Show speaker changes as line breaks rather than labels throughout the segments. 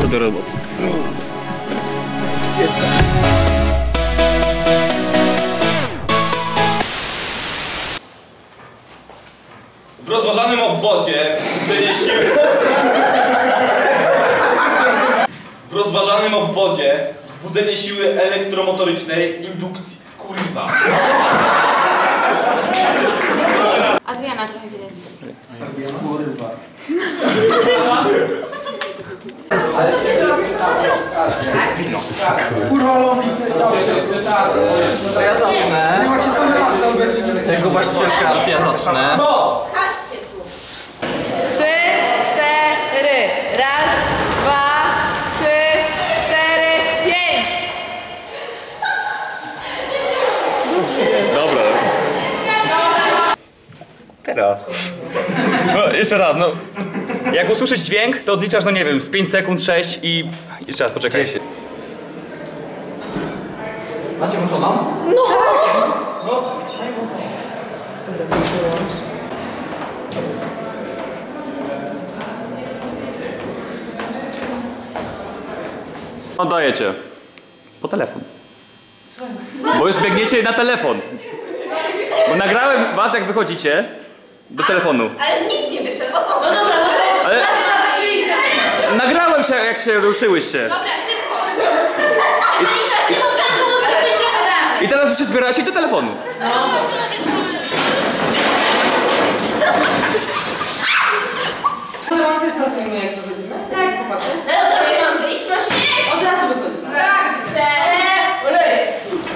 to do roboty.
W rozważanym obwodzie wzbudzenie siły... W rozważanym obwodzie wzbudzenie siły elektromotorycznej indukcji. Kurwa.
Adriana trochę widać.
Kurwa.
To ja zacznę. Jako właścicielka arty ja zacznę.
Trzy, cztery. Raz, dwa, trzy, cztery, pięć.
Dobra. Teraz. No, jeszcze raz, no. Jak usłyszysz dźwięk, to odliczasz, no nie wiem, z 5 sekund, 6 i... Jeszcze raz, poczekaj.
Macie włączoną?
No!
Oddajecie. Po telefon. Bo już biegniecie na telefon. Bo nagrałem was, jak wychodzicie do telefonu.
Ale nikt nie wyszedł, o to. No dobra,
Ale... Nagrałem się, jak się ruszyłyście.
Dobra, szybko.
I teraz już się zbieracie i do telefonu.
Mam też na filmie, jak to wyjdziemy? Tak, popatrzę.
Ale od razu mam wyjść, masz się?
Od razu wychodzimy.
Tak, cztery.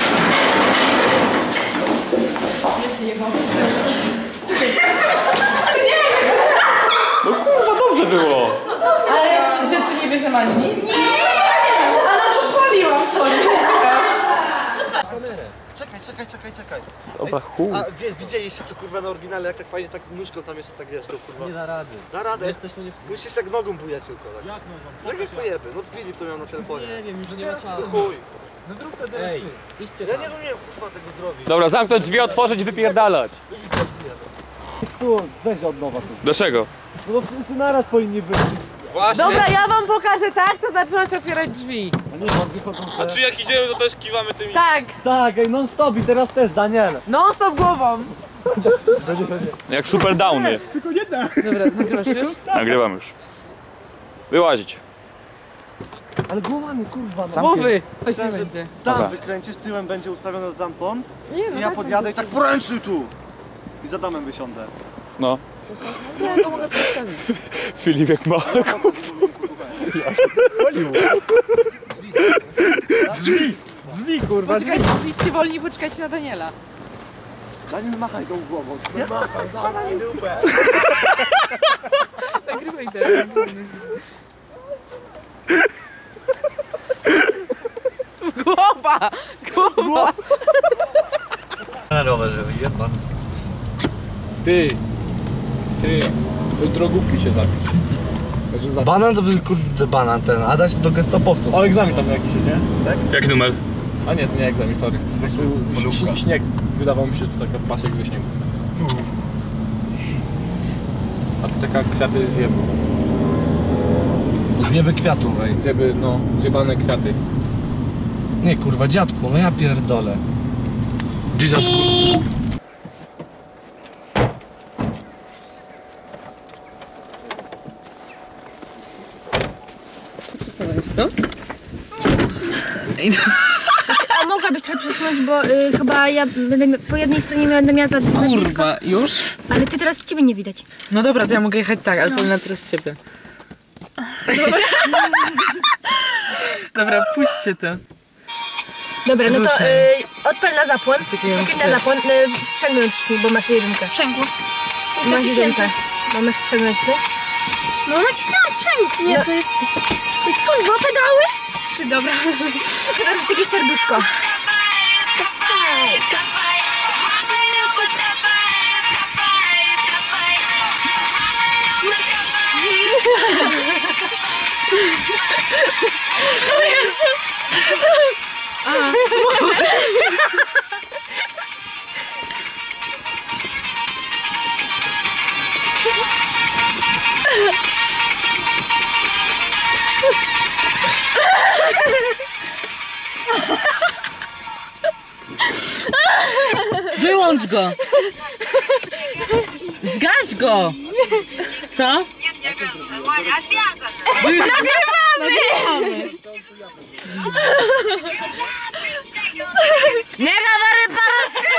No kurwa, dobrze było.
Ale rzeczy nie bierzemy ani nic?
Nie!
A no to spaliłam, sorry.
Czekaj.
Dobra, chuj.
A widzieliście to kurwa na oryginale, jak tak fajnie tak nóżką tam jeszcze tak wiesz, kurwa. Nie da rady. Da radę. Musisz jak nogą bujać tylko. Tak. Jak nogą? Tak jak pojeby. No Filip to miał na telefonie. Nie wiem, już nie ma czasu. Chuj. No zrób to teraz. Ej, idźcie tam. Ja nie umiem kurwa tego zrobić.
Dobra, zamknąć drzwi, otworzyć, wypierdalać.
Tu, weź od nowa tu.
Dlaczego?
No wszyscy naraz powinni być.
Właśnie.
Dobra, ja wam pokażę tak, to znaczy macie otwierać drzwi.
A nie, on wychodzą te...
A czy jak idziemy, to też kiwamy tymi...
Tak,
Tak, ej, non stop i teraz też, Daniel.
non stop głową.
Jak super downy.
Dobra, nagrywasz już?
Nagrywam już. Wyłazić.
Ale głowami, kurwa, no.
Głowy.
Myślałem, że
będzie.
Dobra.
tam wykręcisz, tyłem będzie ustawiony tamtąd
Nie, no
i ja podjadę i tak poręczy tu. I za domem wysiądę.
No.
Ja to mogę postawić.
Filip jak ma.
Drzwi, kurwa, drzwi.
Poczekajcie, idźcie wolniej, poczekajcie na Daniela.
Daniel, machaj tą głową.
Machaj dupę.
Nagrywaj teraz. Głowa! Głowa!
Na rowerze, jebany.
Ty, drogówki się zapisz.
Banan to był kurde banan ten, a dać do gestopowców.
O, egzamin tam jakiś jedzie?
Jaki numer?
A nie, to nie egzamin, sorry. Śnieg. Wydawało mi się, że to taka pasek ze śniegu. A tu taka kwiaty zjebów.
Zjeby kwiatów, ej.
Zjeby, no, zjebane kwiaty.
Nie kurwa, dziadku, no ja pierdolę.
Jesus
A mogłabyś trochę przesunąć, bo chyba ja będę po jednej stronie będę miała za blisko.
Kurwa, już?
Ale ty teraz ciebie nie widać.
No dobra, to ja mogę jechać tak, ale powinna teraz ciebie. Dobra, puśćcie to.
Dobra, no to odpal na zapłon.
Czekaj,
Czekaj na zapłon. Sprzęgnąć ci, bo masz jedynkę.
Sprzęgło.
Masz jedynkę. Bo masz sprzęgnąć, nie?
No nacisnęłam sprzęg. Nie,
No.
to jest... Co, 2 pedały?
3, dobra. Teraz takie serduszko.
O Jezus!
Wyłącz go! Zgaś go! Co? Nagrywamy! Nie gawary paruski!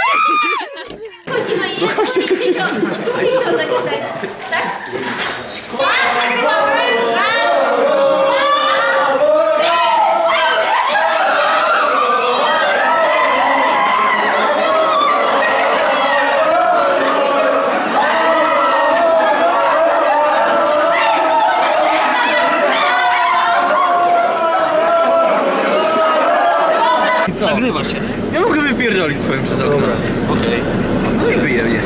Nagrywasz się.
Ja mogę wypierdolić swoim przez okno.
Okej.
Co ich wyjebie?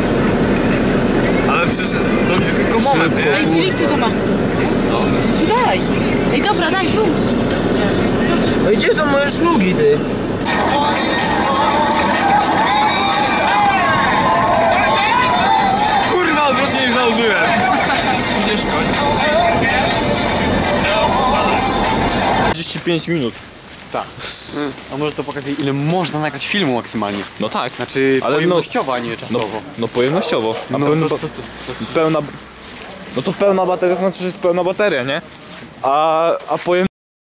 Ale przecież to będzie tylko moment, nie?
Ej, Filip, ty to masz. No. Daj. Ej, dobra, daj, już.
No i gdzie są moje szlugi, ty?
Kurwa, odwrotnie ich założyłem. Idziesz koń. 35 minut.
Tak. A może to pokazuje, ile można nagrać filmu maksymalnie?
No tak.
Znaczy,
ale
pojemnościowo, a nie czasowo.
No pojemnościowo. A
No
pełna,
to
pełna... No to pełna bateria, to znaczy, że jest pełna bateria, nie? A pojem...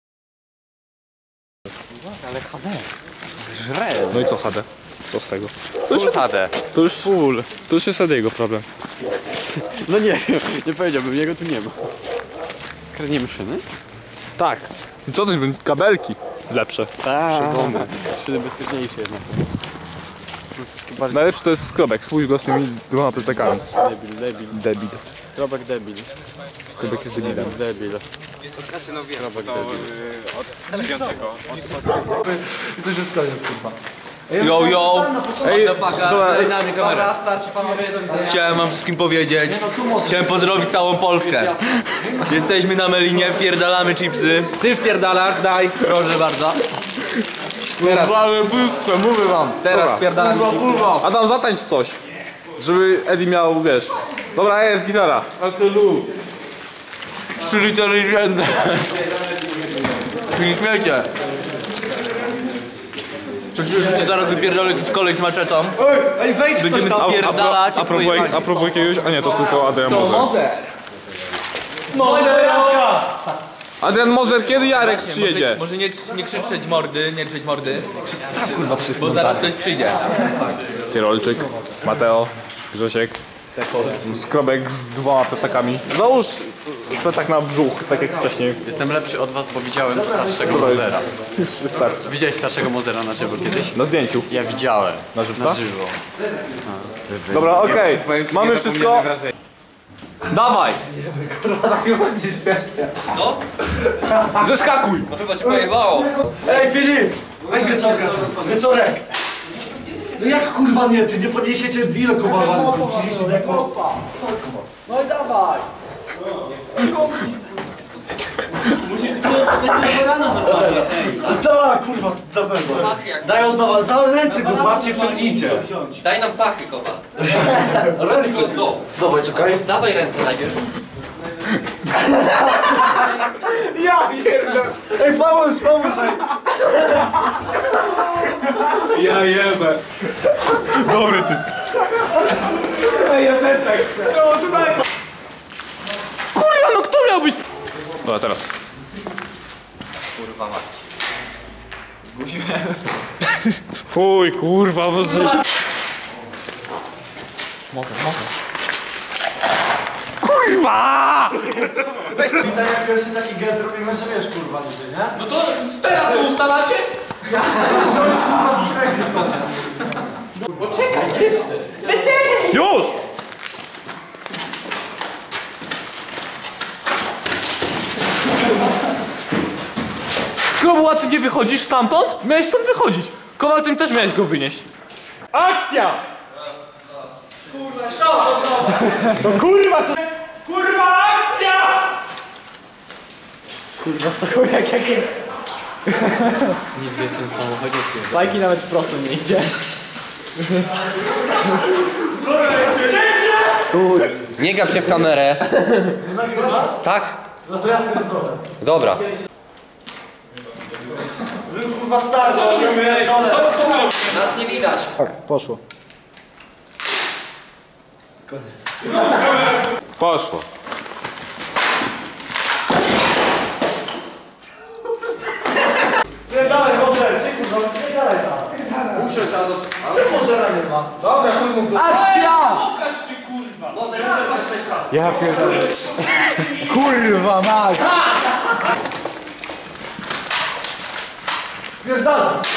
Ale HD. Żre.
No i co HD? Co z tego?
Full HD.
To już full. To już jest jego problem.
No nie wiem, nie powiedziałbym, jego tu nie ma. Kradniemy szyny?
Tak. I co to jest? Kabelki lepsze.
Tak. Szyny bezpieczniejsze jednak.
Najlepszy to jest skrobek. Spójrz go z tymi dwoma plecakami.
Debil.
Debil.
Krobek debil.
Skrobek jest debilem.
Debil. Krobek debil.
Yo, yo!
Ej,
Dobra, chciałem wam wszystkim powiedzieć. Chciałem pozdrowić całą Polskę. Jesteśmy na Melinie, wpierdalamy chipsy.
Ty wpierdalasz, daj.
Proszę bardzo.
Teraz. Mówię wam. Teraz wpierdalam.
Adam, zatańcz coś. Żeby Eddie miał, wiesz. Dobra, jest gitara.
3 litery święte. Nie śmiejcie. Coś już zaraz wypierdolę kolej z maczetą.
Ej, wejdź
Będziemy
ktoś tam.
spierdalać.
A propos jakiegoś... A nie, to tylko Adrian Moser. Adrian Moser, kiedy Jarek przyjedzie?
Może nie krzyczeć mordy, nie krzyczeć mordy. Bo zaraz ktoś przyjdzie.
Tyrolczyk, Mateo, Grzesiek, Skrobek z dwoma plecakami. Załóż plecak na brzuch, tak jak wcześniej.
Jestem lepszy od was, bo widziałem starszego Mozera.
Już wystarczy.
Widziałeś starszego Mozera na żywo kiedyś?
Na zdjęciu.
Ja widziałem.
Na żywca?
Na żywo.
Dobra, okej. Mamy wszystko. Dawaj!
Co?
Zeskakuj!
No chyba cię pojebało.
Ej, Filip! Weź wieczorka. Wieczorek! No jak kurwa nie, ty nie podniesiecie ile koła waży? 30 deko? No i dawaj! Tak, kurwa, na pewno. Daj on do was, za ręce go złapcie i wciągnijcie.
Daj nam pachy, kopa.
Ręce. Dawaj, czekaj.
Dawaj ręce najpierw.
Ja pierdolę. Ej, pomóż, ej. Ja jebę.
Dobry ty.
Ej, ja też tak chcę.
Kurwa, no kto miał być? Dobra, teraz.
Kurwa mać.
Chuj, kurwa, może... Kurwa!
Weź to. Witaj, jak jeszcze taki gest robimy, że wiesz, kurwa, niby, nie?
No to teraz to ustalacie?
Już! Skrobu, a ty nie wychodzisz stamtąd? Miałeś stąd wychodzić. Kowal, tym też miałeś go wynieść. Akcja! Kurwa, stop! No kurwa, co? Kurwa, akcja! Kurwa, z taką jak...
Nie wiesz, ten samochodzie.
Bajki nawet prosto nie idzie.
Nie gap się w kamerę. Tak?
No to ja pierdolę.
Dobra.
Kurwa, stary,
Co my robimy?
Nas nie widać.
Tak, poszło.
Poszło.
Spierdalaj, Mozer, cię kurwa, spierdalaj tam.
Muszę trzeba do...
Czemu Mozera nie ma?
Dobra, chuj mu do...
Akcja!
Pokaż się kurwa!
Może muszę was przeszkadzać.
Ja pierdolę.
Kurwa, mać! Spierdalaj!